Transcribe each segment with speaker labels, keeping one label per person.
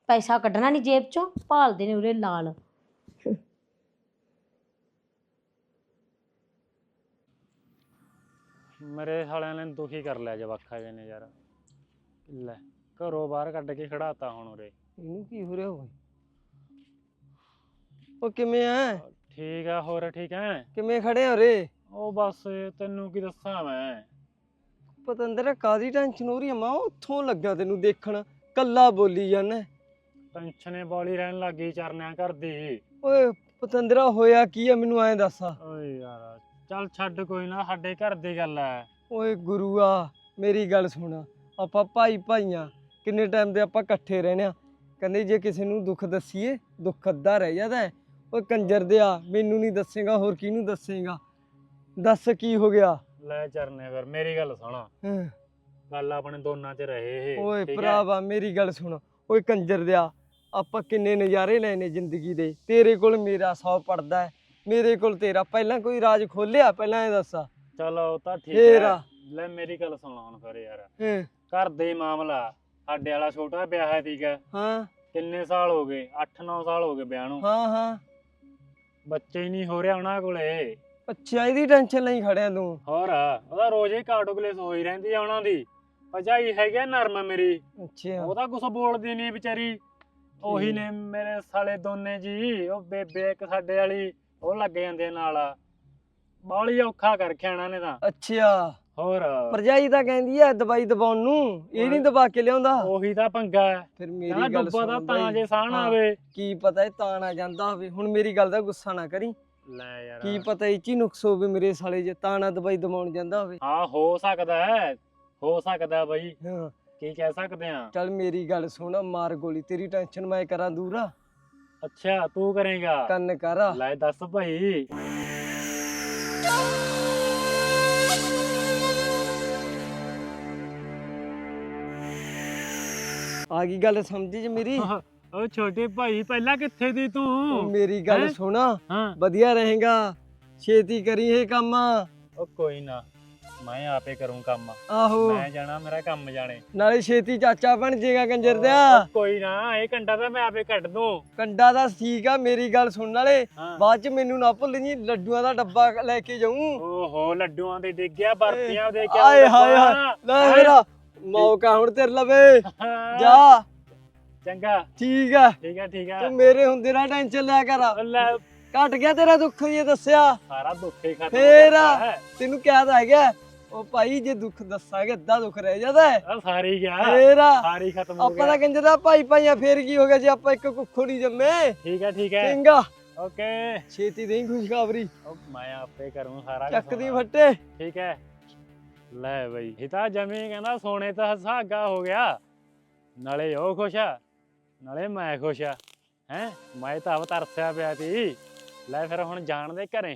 Speaker 1: ਪੈਸਾ ਕੱਢਣਾ ਨਹੀਂ ਜੇਬ ਚੋਂ, ਭਾਲਦੇ ਨੇ ਉਰੇ ਲਾਲ।
Speaker 2: ਮੇਰੇ ਸਾਲਿਆਂ ਨੇ ਦੁਖੀ ਕਰ ਲਿਆ ਜਵਾਖਾ ਜੇ ਨੇ ਯਾਰ। ਲੈ ਘਰੋਂ ਬਾਹਰ ਕੱਢ ਕੇ ਖੜਾਤਾ ਹੁਣ ਉਰੇ।
Speaker 3: ਇਹਨੂੰ ਕੀ ਹੋ ਰਿਹਾ ਹੋਵੇ? ਉਹ ਕਿਵੇਂ ਐ?
Speaker 2: ਠੀਕ ਆ, ਹੋਰ ਠੀਕ ਐ?
Speaker 3: ਕਿਵੇਂ ਖੜੇ ਹੋ ਰੇ?
Speaker 2: ਉਹ ਬਸ ਤੈਨੂੰ ਕੀ ਦੱਸਾਂ ਮੈਂ।
Speaker 3: ਪਤੰਦਰ ਕਾਦੀ ਟੈਨਸ਼ਨ ਹੋ ਰਹੀ ਆ? ਮੈਂ ਉੱਥੋਂ ਲੱਗਾ ਤੈਨੂੰ ਦੇਖਣ, ਕੱਲਾ ਬੋਲੀ ਜਾਂਦਾ।
Speaker 2: ਟੈਨਸ਼ਨੇ ਬੋਲੀ ਰਹਿਣ ਲੱਗੀ ਚਰਨਿਆਂ ਘਰ ਦੀ।
Speaker 3: ਓਏ ਪਤੰਦਰਾ ਹੋਇਆ ਕੀ ਆ, ਮੈਨੂੰ ਐਂ ਦੱਸ।
Speaker 2: ਓਏ ਯਾਰ ਚੱਲ ਛੱਡ, ਕੋਈ ਨਾ, ਸਾਡੇ ਘਰ ਦੀ ਗੱਲ ਐ।
Speaker 3: ਓਏ ਗੁਰੂਆ ਮੇਰੀ ਗੱਲ ਸੁਣ, ਆਪਾਂ ਭਾਈ ਭਾਈਆਂ, ਕਿੰਨੇ ਟਾਈਮ ਦੇ ਆਪਾਂ ਇਕੱਠੇ ਰਹਿੰਦੇ ਆ। ਕਹਿੰਦੇ ਜੇ ਕਿਸੇ ਨੂੰ ਦੁੱਖ ਦੱਸੀਏ ਦੁੱਖ ਅੱਧਾ ਰਹਿ ਜਾਂਦਾ। ਓਏ ਕੰਜਰ ਦਿਆ, ਮੈਨੂੰ ਨਹੀਂ ਦੱਸੇਗਾ ਹੋਰ ਕਿਹਨੂੰ ਦੱਸੇਗਾ? ਦੱਸ ਕੀ ਹੋ ਗਿਆ?
Speaker 2: ਲੈ ਚਰਨੇ ਫਿਰ ਮੇਰੀ ਗੱਲ ਸੁਣ, ਗੱਲ ਆਪਣੇ ਦੋਨਾਂ 'ਚ ਰਹੇ ਇਹ।
Speaker 3: ਓਏ
Speaker 2: ਠੀਕ ਐ?
Speaker 3: ਭਰਾਵਾ ਮੇਰੀ ਗੱਲ ਸੁਣ। ਓਏ ਕੰਜਰ ਦਿਆ, ਆਪਾਂ ਕਿੰਨੇ ਨਜ਼ਾਰੇ ਲੈਣੇ ਜ਼ਿੰਦਗੀ ਦੇ। ਤੇਰੇ ਕੋਲ ਮੇਰਾ 100 ਪੜਦਾ ਹੈ, ਮੇਰੇ ਕੋਲ ਤੇਰਾ। ਪਹਿਲਾਂ ਕੋਈ ਰਾਜ ਖੋਲਿਆ? ਪਹਿਲਾਂ ਇਹ ਦੱਸ।
Speaker 2: ਚਲੋ ਉਹ ਤਾਂ ਠੀਕ
Speaker 3: ਫੇਰ
Speaker 2: ਐ। ਲੈ ਮੇਰੀ ਗੱਲ ਸੁਣ ਹੁਣ ਫਿਰ ਯਾਰ,
Speaker 3: ਹਾਂ
Speaker 2: ਘਰ ਦੇ ਮਾਮਲਾ। ਸਾਡੇ ਵਾਲਾ ਛੋਟਾ ਵਿਆਹ ਹੈ, ਠੀਕ ਹੈ?
Speaker 3: ਹਾਂ
Speaker 2: ਕਿੰਨੇ ਸਾਲ ਹੋ ਗਏ? 8-9 ਸਾਲ ਹੋ ਗਏ ਵਿਆਹ ਨੂੰ।
Speaker 3: ਹਾਂ।
Speaker 2: ਬੱਚੇ ਹੀ ਨਹੀਂ ਹੋ ਰਿਹਾ ਉਹਨਾਂ ਕੋਲੇ।
Speaker 3: ਅੱਛਾ, ਇਹਦੀ ਟੈਨਸ਼ਨ ਲਈ ਖੜਿਆ ਤੂੰ?
Speaker 2: ਹੋਰ ਉਹਦਾ ਰੋਜ਼ ਹੀ ਕਾਟੋਗਲੇਸ ਹੋਈ ਰਹਿੰਦੀ ਆ ਉਹਨਾਂ ਦੀ। ਭਜਾਈ ਹੈਗੀ ਨਰਮ ਮੇਰੀ,
Speaker 3: ਅੱਛਾ
Speaker 2: ਉਹ ਤਾਂ ਕੁਛ ਬੋਲਦੀ ਨਹੀਂ ਵਿਚਾਰੀ। ਉਹੀ ਨੇ ਮੇਰੇ ਸਾਲੇ ਦੋਨੇ ਜੀ, ਉਹ ਬੇਬੇ ਇੱਕ ਸਾਡੇ ਵਾਲੀ, ਉਹ ਲੱਗ ਜਾਂਦੇ ਨਾਲ। ਬਾਹਲੀ ਔਖਾ ਕਰ ਰੱਖਿਆ ਇਹਨਾਂ ਨੇ ਤਾਂ।
Speaker 3: ਅੱਛਾ,
Speaker 2: ਹੋਰ
Speaker 3: ਭਰਜਾਈ ਤਾਂ ਕਹਿੰਦੀ ਐ ਦਵਾਈ ਦਵਾਉਣ ਨੂੰ, ਇਹ ਨਹੀਂ ਦਵਾ ਕੇ ਲਿਆਉਂਦਾ।
Speaker 2: ਉਹੀ ਤਾਂ ਪੰਗਾ ਹੈ।
Speaker 3: ਫਿਰ ਮੇਰੀ ਗੱਲ
Speaker 2: ਡੁੱਬਾ ਦਾ
Speaker 3: ਸੁਣ
Speaker 2: ਤਾਂ ਜੇ ਸਾਹ ਨਾ
Speaker 3: ਹਾਂ।
Speaker 2: ਆਵੇ।
Speaker 3: ਕੀ ਪਤਾ ਇਹ ਤਾਂ ਨਾ ਜਾਂਦਾ ਹੋਵੇ। ਹੁਣ ਮੇਰੀ ਗੱਲ ਦਾ ਗੁੱਸਾ ਨਾ ਕਰੀ।
Speaker 2: ਲੈ ਯਾਰ,
Speaker 3: ਕੀ ਪਤਾ ਇਹ 'ਚ ਹੀ ਨੁਕਸ ਹੋਵੇ ਮੇਰੇ ਸਾਲੇ, ਜੇ ਤਾਂ ਨਾ ਦਵਾਈ ਦਵਾਉਣ ਜਾਂਦਾ ਹੋਵੇ।
Speaker 2: ਹਾਂ ਹੋ ਸਕਦਾ ਹੈ, ਹੋ ਸਕਦਾ ਬਈ,
Speaker 3: ਹਾਂ
Speaker 2: ਕੀ ਕਹਿ ਸਕਦੇ ਆ।
Speaker 3: ਚੱਲ ਮੇਰੀ ਗੱਲ ਸੁਣ, ਮਾਰ ਗੋਲੀ, ਤੇਰੀ ਟੈਨਸ਼ਨ ਮੈਂ ਕਰਾਂ ਦੂਰ।
Speaker 2: ਅੱਛਾ ਤੂੰ ਕਰੇਗਾ?
Speaker 3: ਕੰਨ ਕਰ।
Speaker 2: ਲੈ ਦੱਸ ਭਾਈ।
Speaker 3: ਆ ਗਈ ਗੱਲ ਸਮਝ ਚ ਮੇਰੀ?
Speaker 2: ਉਹ ਛੋਟੇ ਭਾਈ ਪਹਿਲਾਂ ਕਿੱਥੇ ਦੀ
Speaker 3: ਉਹ
Speaker 2: ਤੂੰ?
Speaker 3: ਮੇਰੀ ਗੱਲ
Speaker 2: ਹੈਂ?
Speaker 3: ਸੁਣ,
Speaker 2: ਹਾਂ
Speaker 3: ਵਧੀਆ ਰਹੇਗਾ, ਛੇਤੀ ਕਰੀ ਇਹ ਕੰਮ।
Speaker 2: ਉਹ ਕੋਈ ਨਾ, ਮੈਂ ਆਪੇ ਕਰੂੰ ਕੰਮ।
Speaker 3: ਆਹੋ,
Speaker 2: ਮੈਂ ਜਾਣਾ, ਮੇਰਾ ਕੰਮ ਜਾਣੇ।
Speaker 3: ਨਾਲੇ ਛੇਤੀ ਚਾਚਾ ਬਣ ਜਾਏਗਾ ਕੰਜਰ
Speaker 2: ਉਹ
Speaker 3: ਦਿਆ।
Speaker 2: ਕੋਈ ਨਾ, ਇਹ ਕੰਡਾ ਤਾਂ ਮੈਂ ਆਪੇ ਕੱਢ ਦੂੰ।
Speaker 3: ਕੰਡਾ ਦਾ ਠੀਕ ਆ, ਮੇਰੀ ਗੱਲ ਸੁਣ ਨਾਲੇ
Speaker 2: ਹਾਂ।
Speaker 3: ਬਾਅਦ ਚ ਮੈਨੂੰ ਨਾ ਭੁੱਲ ਜੀ, ਲੱਡੂਆਂ ਦਾ ਡੱਬਾ ਲੈ ਕੇ ਜਾਊਂ।
Speaker 2: ਓਹੋ ਲੱਡੂਆਂ ਦੇ ਡਿੱਗਿਆ, ਬਰਫੀਆਂ ਦੇ ਕੇ
Speaker 3: ਆਏ ਹਾਏ ਹਾਏ, ਲੈ ਮੇਰਾ ਮੌਕਾ ਹੁਣ ਤੇਰੇ ਲਵੇ। ਜਾ
Speaker 2: ਚੰਗਾ,
Speaker 3: ਠੀਕ ਆ,
Speaker 2: ਠੀਕ ਹੈ ਠੀਕ ਹੈ।
Speaker 3: ਤੂੰ ਮੇਰੇ ਹੁੰਦੇ ਨਾ ਟੈਨਸ਼ਨ ਲਿਆ ਕਰ।
Speaker 2: ਲੈ
Speaker 3: ਘਟ ਗਿਆ ਤੇਰਾ ਦੁੱਖ, ਇਹ ਦੱਸਿਆ
Speaker 2: ਸਾਰਾ ਦੁੱਖ ਹੀ ਖਤਮ
Speaker 3: ਫੇਰ
Speaker 2: ਹੋ ਗਿਆ।
Speaker 3: ਤੈਨੂੰ ਕਿਹਾ ਤਾਂ ਹੈਗਾ। ਉਹ ਭਾਈ ਜੇ ਦੁੱਖ ਦੱਸਾਂਗੇ ਅੱਧਾ ਦੁੱਖ ਰਹਿ ਜਾਂਦਾ ਹੈ।
Speaker 2: ਆ ਸਾਰੀ ਗਿਆ,
Speaker 3: ਫੇਰ
Speaker 2: ਸਾਰੀ ਖਤਮ ਹੋ
Speaker 3: ਆਪਾਂ
Speaker 2: ਗਿਆ।
Speaker 3: ਤਾਂ ਕਹਿੰਦੇ ਦਾ ਭਾਈ ਭਾਈਆਂ, ਫੇਰ ਕੀ ਹੋ ਗਿਆ ਜੇ ਆਪਾਂ ਇੱਕ ਕੁੱਖੋਂ ਨਹੀਂ ਜੰਮੇ।
Speaker 2: ਠੀਕ ਹੈ ਠੀਕ ਹੈ,
Speaker 3: ਚੰਗਾ,
Speaker 2: ਓਕੇ।
Speaker 3: ਛੇਤੀ ਦੇਈ ਖੁਸ਼ਖਬਰੀ,
Speaker 2: ਉਹ ਮੈਂ ਆਪੇ ਕਰੂੰ ਸਾਰਾ
Speaker 3: ਚੱਕ
Speaker 2: ਕੁਛ।
Speaker 3: ਦੀ ਫੱਟੇ।
Speaker 2: ਠੀਕ ਹੈ। ਲੈ ਬਈ, ਇਹ ਤਾਂ ਜਮੀ ਕਹਿੰਦਾ ਸੋਨੇ ਤਾਂ ਸੁਹਾਗਾ ਹੋ ਗਿਆ। ਨਾਲੇ ਉਹ ਖੁਸ਼ ਆ, ਨਾਲੇ ਮੈਂ ਖੁਸ਼ ਆ। ਹੈ ਮੈਂ ਤਾਂ ਆਪ ਤਰਸਿਆ ਪਿਆ ਤੀ। ਲੈ ਫਿਰ ਹੁਣ ਜਾਣ ਦੇ ਘਰੇ।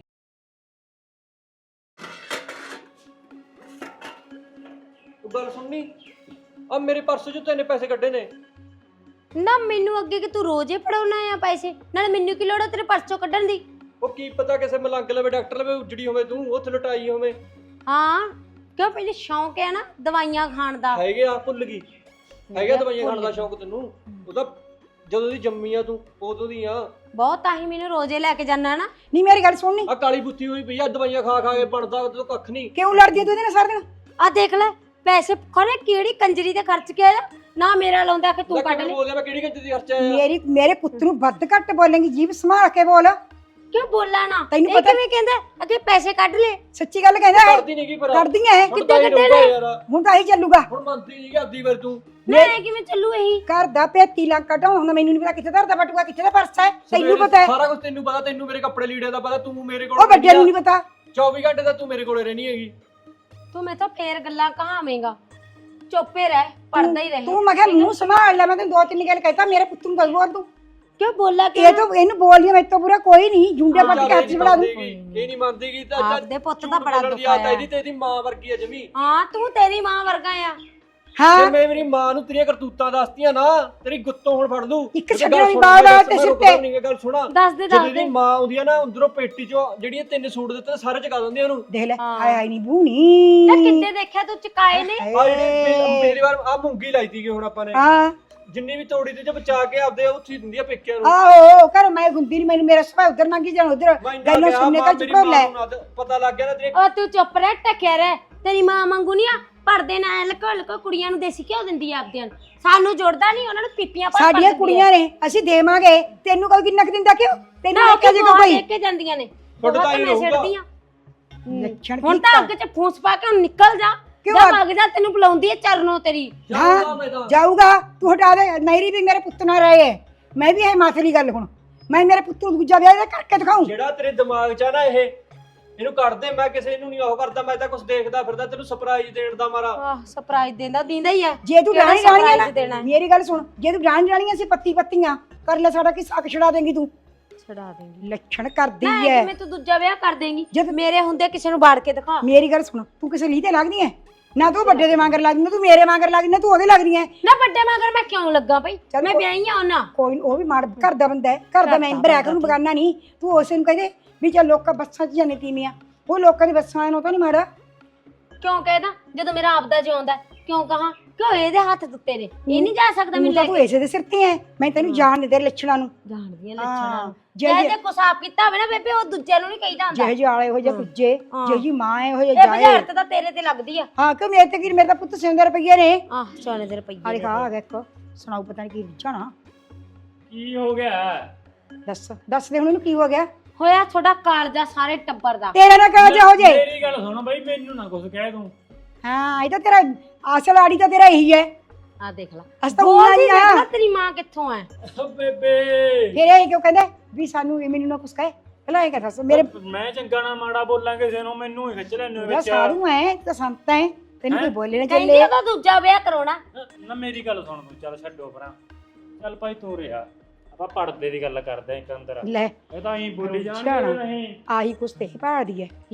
Speaker 3: ਗੱਲ ਸੁਣਨੀ, ਆ ਮੇਰੇ ਪਰਸ ਚੋਂ ਤੈਨੇ ਪੈਸੇ ਕੱਢੇ ਨੇ।
Speaker 1: ਨਾ ਮੈਨੂੰ ਅੱਗੇ ਕਿ ਤੂੰ ਰੋਜ਼ ਹੀ ਫੜਾਉਣਾ ਆ ਪੈਸੇ, ਨਾਲ ਮੈਨੂੰ ਕੀ ਲੋੜ ਆ ਤੇਰੇ ਪਰਸ ਚੋਂ ਕੱਢਣ ਦੀ?
Speaker 3: ਉਹ ਕੀ ਪਤਾ ਕਿਸੇ ਮਲੰਗ ਲਵੇ, ਡਾਕਟਰ ਲਵੇ ਉਜੜੀ ਹੋਵੇ, ਤੂੰ ਉੱਥੇ ਲਟਾਈ ਹੋਵੇ।
Speaker 1: ਹਾਂ ਕਿਉਂ, ਪਹਿਲੇ ਸ਼ੌਂਕ ਹੈ ਨਾ ਦਵਾਈਆਂ ਖਾਣ ਦਾ?
Speaker 3: ਹੈਗੇ ਆ, ਭੁੱਲ ਗਈ। ਹੈਗਾ ਦਵਾਈਆਂ ਖਾਣ ਦਾ ਸ਼ੌਂਕ ਤੈਨੂੰ? ਉਹ ਤਾਂ ਜਦੋਂ ਦੀ ਜੰਮੀ ਆ ਤੂੰ ਉਦੋਂ ਦੀ ਆ।
Speaker 1: ਬਹੁਤ, ਤਾਂ ਹੀ ਮੈਨੂੰ ਰੋਜ਼ੇ ਲੈ ਕੇ ਜਾਣਾ ਨਾ।
Speaker 4: ਨਹੀਂ ਮੇਰੀ ਗੱਲ ਸੁਣਨੀ,
Speaker 3: ਆ ਕਾਲੀ ਬੁੱਤੀ ਹੋਈ ਪਈ ਆ, ਦਵਾਈਆਂ ਖਾ ਖਾ ਕੇ ਬਣਦਾ ਤੂੰ ਕੱਖ ਨਹੀਂ।
Speaker 4: ਕਿਉਂ ਲੜਦੀ ਐ ਤੂੰ ਇਹਦੇ ਨਾਲ ਸਾਰਾ ਦਿਨ?
Speaker 1: ਆ ਦੇਖ ਲੈ, ਪੈਸੇ ਖੋਲੇ ਕਿਹੜੀ ਕੰਜਰੀ ਤੇ ਖਰਚ ਕੇ ਆਇਆ ਨਾ, ਮੇਰਾ ਲਾਉਂਦਾ ਕਿ ਤੂੰ ਕੱਢ ਲੈ।
Speaker 3: ਬੋਲਿਆ ਮੈਂ ਕਿਹੜੀ ਕੰਜ ਦੀ ਖਰਚਾ ਆ?
Speaker 4: ਮੇਰੇ ਪੁੱਤ ਨੂੰ ਵੱਧ ਘੱਟ ਬੋਲੇਂਗੀ, ਜੀਭ ਸੰਭਾਲ ਕੇ ਬੋਲ।
Speaker 1: ਕਿਉਂ ਬੋਲਾਂ ਨਾ?
Speaker 4: ਤੈਨੂੰ
Speaker 1: ਇਹ
Speaker 4: ਪਤਾ-
Speaker 1: ਕਿਵੇਂ ਕਹਿੰਦਾ ਅੱਗੇ ਪੈਸੇ ਕੱਢ ਲੈ?
Speaker 4: ਸੱਚੀ ਗੱਲ ਕਹਿੰਦਾ ਹੈ।
Speaker 3: ਕਰਦੀ ਨਹੀਂ ਕੀ ਪਰ
Speaker 4: ਕਰਦੀਆਂ ਇਹ,
Speaker 1: ਕਿੱਦਾਂ ਕੱਢੇ ਨੇ?
Speaker 4: ਹੁਣ ਤਾਂ ਹੀ ਚੱਲੂਗਾ।
Speaker 3: ਹੁਣ ਮੰਨਦੀ ਨਹੀਂ ਕਿ ਅੱਧੀ ਵਾਰ ਤੂੰ
Speaker 1: ਮੈਂ ਕਿਵੇਂ ਚੱਲੂ ਇਹੀ?
Speaker 4: ਘਰ ਦਾ 35 ਲੱਖ ਕਢਾਉਣ, ਮੈਨੂੰ ਨਹੀਂ ਪਤਾ ਕਿੱਥੇ ਧਰਦਾ ਬਟੂਆ, ਕਿੱਥੇ ਦਾ ਪਰਸ ਹੈ। ਤੈਨੂੰ ਪਤਾ ਹੈ,
Speaker 3: ਸਾਰਾ ਕੁਝ ਤੈਨੂੰ ਪਤਾ, ਤੈਨੂੰ ਮੇਰੇ ਕੱਪੜੇ ਲੀੜਿਆਂ ਦਾ ਪਤਾ, ਤੂੰ ਮੇਰੇ ਕੋਲ
Speaker 4: ਉਹ ਵੱਡਿਆਂ ਨੂੰ ਨਹੀਂ ਪਤਾ।
Speaker 3: 24 ਘੰਟੇ ਦਾ ਤੂੰ ਮੇਰੇ ਕੋਲੇ ਰਹਿਣੀ ਹੈਗੀ।
Speaker 1: ਤੂੰ ਮੈਂ ਤਾਂ ਫੇਰ ਗੱਲਾਂ ਕਹਾਵੇਂਗਾ, ਚੁੱਪੇ ਰਹਿ, ਪੜਦਾ ਹੀ ਰਹੇ।
Speaker 4: ਤੂੰ ਮੈਂ ਕਿਹਾ ਮੂੰਹ ਸੰਭਾਲ ਲੈ, ਮੈਂ ਤੈਨੂੰ 2-3 ਗੱਲ ਕਹਿਤਾ, ਮੇਰੇ ਪੁੱਤ ਨੂੰ ਬੋਲ ਤੂੰ।
Speaker 1: ਕਿਉਂ ਬੋਲਾ ਕਿ
Speaker 4: ਇਹ ਤਾਂ ਇਹਨੂੰ ਬੋਲ ਮੇਰੇ ਤੋਂ ਬੁਰਾ ਕੋਈ ਨਹੀਂ, ਜੁੰਡੇ ਪੱਟ ਕੇ ਹੱਥ 'ਚ ਫੜਾ ਦੂੰ।
Speaker 3: ਇਹ ਨਹੀਂ ਮੰਨਦੀਗੀ ਤਾਂ
Speaker 1: ਆਪਦੇ ਪੁੱਤ ਦਾ ਬੜਾ ਦੁੱਖ
Speaker 3: ਆਇਆ
Speaker 1: ਆਇਆ।
Speaker 3: ਇਹਦੀ ਤੇ ਇਹਦੀ ਮਾਂ ਵਰਗੀ ਆ ਜਮੀ।
Speaker 1: ਹਾਂ ਤੂੰ, ਤੇਰੀ ਮਾਂ ਵਰਗਾ ਆ।
Speaker 4: ਹਾਂ
Speaker 3: ਜੇ ਮੈਂ ਮੇਰੀ ਮਾਂ ਨੂੰ ਤੇਰੀਆਂ ਕਰਤੂਤਾਂ ਦੱਸਤੀਆਂ ਨਾ, ਤੇਰੀ ਗੁੱਤੋਂ ਹੁਣ ਫੜ ਲੂ।
Speaker 4: ਇੱਕ ਛੱਡਣ ਦੀ ਬਾਤ ਆ ਤੇ ਸਿੱਟੇ।
Speaker 3: ਨਹੀਂ ਗੱਲ ਸੁਣਾ,
Speaker 1: ਦੱਸ ਦੇ
Speaker 3: ਜਦੋਂ
Speaker 1: ਦੱਸ
Speaker 3: ਇਹਦੀ
Speaker 1: ਦੇ।
Speaker 3: ਮਾਂ ਆਉਂਦੀ ਆ ਨਾ, ਅੰਦਰੋਂ ਪੇਟੀ ਚੋਂ ਜਿਹੜੀਆਂ 3 ਸੂਟ ਦਿੱਤੇ ਸਾਰੇ ਚਕਾ ਦਿੰਦੀ ਆ ਉਹਨੂੰ।
Speaker 4: ਦੇਖ ਲੈ,
Speaker 1: ਹਾਂ।
Speaker 4: ਹਾਏ ਹਾਏ ਨਹੀਂ ਬੂਣੀ।
Speaker 1: ਨਾ ਕਿੱਤੇ ਦੇਖਿਆ ਤੂੰ ਚਕਾਏ ਨੇ?
Speaker 3: ਆ ਜਿਹੜੀ ਮੇਰੀ ਵਾਰ ਆ ਮੂੰਗੀ ਲਾਈ ਸੀਗੀ ਹੁਣ ਆਪਾਂ ਨੇ।
Speaker 4: ਹਾਂ
Speaker 3: ਜਿੰਨੀ ਵੀ ਤੋੜੀ ਤੇ ਜੇ ਬਚਾ ਕੇ ਆਪਦੇ ਉੱਥੇ ਦਿੰਦੀ ਆ ਪੇਕਿਆਂ ਨੂੰ।
Speaker 4: ਆਹੋ ਘਰ ਮੈਂ ਹੁੰਦੀ ਨਹੀਂ, ਮੈਨੂੰ ਮੇਰਾ ਸੁਭਾਅ ਉਧਰ ਲੰਘੀ ਜਾਣ ਉਧਰ
Speaker 3: ਮੈਂ ਇੰਨਾ
Speaker 4: ਗੱਲਾਂ
Speaker 3: ਕਿਹਾ,
Speaker 4: ਸੁਣਨੇ
Speaker 3: ਮਾਂ
Speaker 4: ਕਾ
Speaker 3: ਮੇਰੀ
Speaker 4: ਚੁੱਪ ਲੈ।
Speaker 3: ਮਾਂ ਨੂੰ ਨਾ ਪਤਾ ਲੱਗ ਗਿਆ ਨਾ ਤੇਰੇ।
Speaker 1: ਉਹ ਤੂੰ ਚੁੱਪ ਰਹਿ, ਟਕਿਆ ਰਹਿ। ਤੇਰੀ ਮਾਂ ਵਾਂਗੂ ਨਹੀਂ ਆ ਪਰਦੇ ਨਾਲ ਲਕੋ ਲਕੋ ਕੁੜੀਆਂ ਨੂੰ ਦੇਸੀ ਘਿਓ ਦਿੰਦੀ ਆ ਆਪਦਿਆਂ ਨੂੰ। ਸਾਨੂੰ ਜੁੜਦਾ ਨਹੀਂ, ਉਹਨਾਂ ਨੂੰ ਪੀਪੀਆਂ ਭਰ
Speaker 4: ਸਾਡੀਆਂ ਕੁੜੀਆਂ ਨੇ, ਅਸੀਂ ਦੇਵਾਂਗੇ। ਤੈਨੂੰ ਕੋਈ ਕਿੰਨਾ ਕੁ ਦਿੰਦਾ ਕਿਉਂ? ਤੈਨੂੰ
Speaker 1: ਨਾ
Speaker 4: ਕਿਹਾ ਜੇ ਕੋਈ
Speaker 1: ਦੇ ਕੇ ਜਾਂਦੀਆਂ ਨੇ।
Speaker 3: ਤੁਹਾਡਾ ਤਾਂ ਹੀ
Speaker 1: ਮੈਂ
Speaker 3: ਰਹੂਗਾ।
Speaker 1: ਛੱਡਦੀ ਆ।
Speaker 4: ਲੱਛਣ
Speaker 1: ਹੁਣ ਤਾਂ ਅੱਗ 'ਚ ਫੂਸ ਪਾ ਕੇ ਹੁਣ ਨਿਕਲ ਜਾ।
Speaker 4: ਕਿਉਂ
Speaker 1: ਜਾ ਭੱਗ ਜਾ, ਤੈਨੂੰ ਬੁਲਾਉਂਦੀ ਹੈ ਚਰਨੋਂ ਤੇਰੀ।
Speaker 4: ਹਾਂ ਜਾਊਗਾ ਤੂੰ, ਹਟਾ ਦੇ। ਮੇਰੀ ਵੀ ਮੇਰੇ ਪੁੱਤ ਨਾਲ ਰਹੇ ਹੈ, ਮੈਂ ਵੀ ਹੈ ਮਾਥੇ ਦੀ ਗੱਲ। ਹੁਣ ਮੈਂ ਮੇਰੇ ਪੁੱਤ ਨੂੰ ਦੂਜਾ ਵਿਆਹ ਕਰਕੇ ਦਿਖਾਉਂ।
Speaker 3: ਜਿਹੜਾ ਤੇਰੇ ਦਿਮਾਗ 'ਚ ਆ ਨਾ ਇਹਨੂੰ ਕੱਢ ਦੇ। ਮੈਂ ਕਿਸੇ ਨੂੰ ਨਹੀਂ ਉਹ ਕਰਦਾ, ਮੈਂ ਤਾਂ ਕੁਝ ਦੇਖਦਾ ਫਿਰਦਾ ਤੈਨੂੰ ਸਰਪ੍ਰਾਈਜ਼ ਦੇਣ ਦਾ ਮਾਰਾ।
Speaker 1: ਆਹ ਸਰਪ੍ਰਾਈਜ਼ ਦਿੰਦਾ ਹੀ ਆ।
Speaker 4: ਜੇ ਤੂੰ
Speaker 1: ਕਿਹੜਾ
Speaker 4: ਰਾਣੀ ਰਾਣੀ
Speaker 1: surprise
Speaker 4: ਨਾ
Speaker 1: ਦੇਣਾ ਹੈ?
Speaker 4: ਮੇਰੀ ਗੱਲ ਸੁਣ, ਜੇ ਤੂੰ ਰਾਣੀ ਰਾਣੀਆਂ ਸੀ ਪੱਤੀ ਪੱਤੀਆਂ ਕਰ ਲੈ, ਸਾਡਾ ਕੀ ਸਾਕ ਛੜਾ ਦੇਂਗੀ ਤੂੰ?
Speaker 1: ਛਡਾ ਦੇਂਗੀ।
Speaker 4: ਲੱਛਣ ਕਰਦੀ
Speaker 1: ਨਾ
Speaker 4: ਐ।
Speaker 1: ਕਿਵੇਂ ਤੂੰ ਦੂਜਾ ਵਿਆਹ ਕਰ ਦੇਂਗੀ?
Speaker 4: ਜਦ
Speaker 1: ਮੇਰੇ ਹੁੰਦੇ ਕਿਸੇ ਨੂੰ ਬਾੜ ਕੇ ਦਿਖਾ।
Speaker 4: ਮੇਰੀ ਗੱਲ ਸੁਣ, ਤੂੰ ਕਿਸੇ ਲੀਹ ਤੇ ਲੱਗਦੀ ਐ ਨਾ? ਤੂੰ ਵੱਡੇ ਦੇ ਵਾਂਗਰ ਲੱਗਦੀ, ਨਾ ਤੂੰ ਮੇਰੇ ਵਾਂਗਰ ਲੱਗਦੀ, ਨਾ ਤੂੰ ਉਹਦੇ ਲੱਗਦੀ ਐ।
Speaker 1: ਨਾ ਵੱਡੇ ਮਗਰ ਮੈਂ ਕਿਉਂ ਲੱਗਾ ਭਾਈ?
Speaker 4: ਚੱਲ
Speaker 1: ਮੈਂ
Speaker 4: ਕੋਈ-
Speaker 1: ਵਿਆਹੀ ਆ ਉਹਨਾਂ।
Speaker 4: ਕੋਈ ਉਹ ਵੀ ਮਾੜ ਘਰ ਦਾ ਬੰਦਾ ਹੈ, ਘਰ ਦਾ ਮੈਂਬਰ ਹੈ, ਉਹਨੂੰ ਬਗਾਨਾ ਨਹੀਂ। ਤੂੰ ਉਸੇ ਨੂੰ ਕਹਦੇ ਵੀ ਚੱਲ ਲੋਕਾਂ ਬੱਸਾਂ 'ਚ ਜਾਂਦੇ ਤੀਵੀਆਂ, ਉਹ ਲੋਕਾਂ ਦੀ ਬੱਸਾਂ ਨੂੰ ਤਾਂ ਨਹੀਂ ਮਾੜਾ।
Speaker 1: ਕਿਉਂ ਕਹਿਦਾ ਜਦੋਂ ਮੇਰਾ ਆਪਦਾ ਜਿਉਂਦਾ? ਕਿਉਂ ਕਹਾਂ? ਕਿਉਂ ਇਹਦੇ ਹੱਥ ਦਿੱਤੇ ਨੇ, ਇਹ ਨਹੀਂ ਜਾ ਸਕਦਾ
Speaker 4: ਤੂੰ
Speaker 1: ਮੈਨੂੰ
Speaker 4: ਤਾਂ
Speaker 1: ਲੈ
Speaker 4: ਤੂੰ
Speaker 1: ਕੇ।
Speaker 4: ਇਸੇ ਦੇ ਸਿਰ ਤੇ ਐ। ਮੈਂ ਤੈਨੂੰ ਜਾਣ ਦੇ ਤੇਰੇ ਲੱਛਣਾਂ ਨੂੰ।
Speaker 1: ਜਾਣਦੀਆਂ
Speaker 4: ਹਾਂ,
Speaker 1: ਲੱਛਣਾਂ ਨੂੰ।
Speaker 4: ਜੇ-
Speaker 1: ਜੇ ਕੁਸਾਬ ਕੀਤਾ ਹੋਵੇ ਨਾ ਬੇਬੇ, ਉਹ ਦੂਜੇ ਨੂੰ ਨਹੀਂ ਕਹੀਦਾ ਹੁੰਦਾ।
Speaker 4: ਜਿਹੇ ਜਾਲੇ ਹੋ ਜਾ ਕੁੱਜੇ,
Speaker 1: ਹਾਂ।
Speaker 4: ਜਿਹੀ ਮਾਂ ਐ ਹੋ ਜਾ
Speaker 1: ਇਹ
Speaker 4: ਜਾਏ।
Speaker 1: ਬੁਝਾਰਤ ਤਾਂ ਤੇਰੇ ਤੇ ਲੱਗਦੀ ਆ।
Speaker 4: ਹਾਂ ਕਿ ਮੇਰੇ ਤੇ ਕੀ, ਮੇਰੇ ਤਾਂ ਪੁੱਤ 100 ਰੁਪਏ ਨੇ।
Speaker 1: ਆਹ ਸੋਨੇ ਦੇ ਰੁਪਈਏ
Speaker 4: ਆ
Speaker 1: ਨੇ।
Speaker 4: ਲਿਖਾ ਆ ਗਿਆ ਇੱਕ, ਸੁਣਾਓ ਪਤਾ ਨਹੀਂ ਕੀ ਜਾਣਾ।
Speaker 2: ਕੀ ਹੋ ਗਿਆ?
Speaker 4: ਦੱਸ ਦੇ ਹੁਣ ਇਹਨੂੰ ਕੀ ਹੋ ਗਿਆ।
Speaker 1: ਹੋਇਆ ਤੁਹਾਡਾ ਕਾਲਜਾ ਸਾਰੇ ਟੱਬਰ ਦਾ।
Speaker 4: ਤੇਰਾ ਨਾ ਕਾਜ ਹੋ ਜੇ।
Speaker 2: ਮੇਰੀ ਗੱਲ ਸੁਣ ਬਈ, ਮੈਨੂੰ ਨਾ ਕੁਝ ਕਹਿ ਤੂੰ।
Speaker 4: ਹਾਂ ਇਹ ਤਾਂ ਤੇਰਾ ਅਸਲ ਆੜੀ ਤਾਂ ਤੇਰਾ ਇਹੀ ਹੈ।
Speaker 1: ਆ ਦੇਖ ਲੈ,
Speaker 4: ਅਸ ਤਾਂ
Speaker 1: ਬੋਲਦੀ
Speaker 4: ਨਹੀਂ
Speaker 1: ਦੇਖ
Speaker 4: ਆ।
Speaker 1: ਲੈ ਤੇਰੀ ਮਾਂ ਕਿੱਥੋਂ ਐ।
Speaker 2: ਬੇਬੇ
Speaker 4: ਫਿਰ ਇਹ ਕਿਉਂ ਕਹਿੰਦਾ ਵੀ ਸਾਨੂੰ ਇਹ ਮੈਨੂੰ ਨਾ ਕੁਛ ਕਹੇ? ਪਹਿਲਾਂ ਇਹ ਕਹਦਾ ਮੇਰੇ
Speaker 2: ਮੈਂ ਚੰਗਾ ਨਾ ਮਾੜਾ ਬੋਲਾਂ ਕਿਸੇ ਨੂੰ, ਮੈਨੂੰ ਹੀ ਖਿੱਚ ਲੈਣੇ
Speaker 4: ਮੇਰਾ
Speaker 2: ਵਿੱਚ।
Speaker 4: ਸਾਧੂ ਐ ਤਾਂ ਸੰਤ ਐ, ਤੈਨੂੰ ਕੋਈ ਬੋਲੇ ਨਾ
Speaker 1: ਕਹਿੰਦੀ
Speaker 4: ਚੱਲੇ।
Speaker 1: ਉਹਦਾ ਦੂਜਾ ਵਿਆਹ ਕਰਾਉਣਾ।
Speaker 2: ਨਾ ਮੇਰੀ ਗੱਲ ਸੁਣ ਤੂੰ, ਚੱਲ ਛੱਡੋ ਪਰਾਂ। ਚੱਲ ਭਾਈ ਤੂੰ ਰਿਹਾ, ਆਪਾਂ ਪੜਦੇ ਦੀ ਗੱਲ ਕਰਦੇ ਆਂ ਇੱਕ ਅੰਦਰ।
Speaker 4: ਲੈ
Speaker 2: ਇਹ ਤਾਂ ਐਂ ਬੋਲੀ
Speaker 4: ਅੱਛਾ
Speaker 2: ਜਾਣਗੇ
Speaker 4: ਨਾ।
Speaker 2: ਨਹੀਂ।
Speaker 4: ਆਹੀ ਕੁਛ ਤੇ ਭਾਲਦੀ ਐ।